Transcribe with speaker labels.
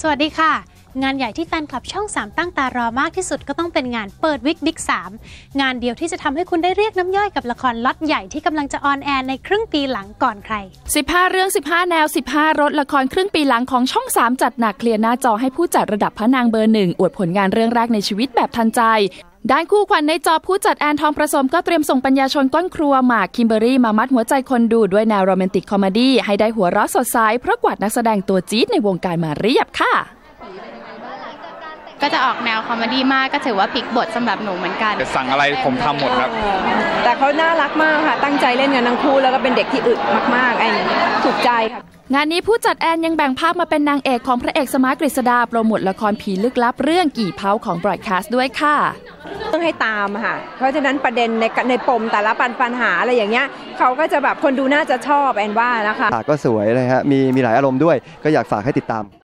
Speaker 1: วัสดีค่ะงานใหญ่ที่แฟนคลับช่อง3ตั้งตารอมากที่สุดก็ต้องเป็นงานเปิดวิกบิ๊ก3งานเดียวที่จะทำให้คุณได้เรียกน้ำย่อยกับละครล็อตใหญ่ที่กำลังจะออนแอร์ในครึ่งปีหลังก่อนใคร
Speaker 2: 15เรื่อง15แนว15รสละครครึ่งปีหลังของช่อง3จัดหนักเคลียร์หน้าจอให้ผู้จัดระดับพระนางเบอร์1อวดผลงานเรื่องแรกในชีวิตแบบทันใจด้านคู่ขวัญในจอผู้จัดแอนทองประสมก็เตรียมส่งปัญญาชนก้นครัวหมากคิมเบอรี่มามัดหัวใจคนดูด้วยแนวโรแมนติกคอมเมดี้ให้ได้หัวเราะสดใสเพราะกวาดนักแสดงตัวจี๊ดในวงการมาเรียบค่ะ
Speaker 3: ก็จะออกแนวคอมเมดี้มากก็ถือว่าพลิกบทสำหรับหนูเหมือนกัน
Speaker 4: สั่งอะไรผมทำหมดครับ
Speaker 5: แต่เขาน่ารักมากค่ะตั้งใจเล่นกันทั้งคู่แล้วก็เป็นเด็กที่อึดมากๆไอ้ถูกใจค่ะ
Speaker 2: งานนี้ผู้จัดแอนยังแบ่งภาพมาเป็นนางเอกของพระเอกสมาร์ทกฤษดาโปรโมทละครผีลึกลับเรื่องกี่เผาของบรอดคาสต์ด้วยค่ะ
Speaker 5: ต้องให้ตามค่ะเพราะฉะนั้นประเด็นในปมแต่ละปัญหาอะไรอย่างเงี้ยเขาก็จะแบบคนดูน่าจะชอบแอนว่านะคะ
Speaker 6: ก็สวยเลยฮะมีหลายอารมณ์ด้วยก็อยากฝากให้ติดตาม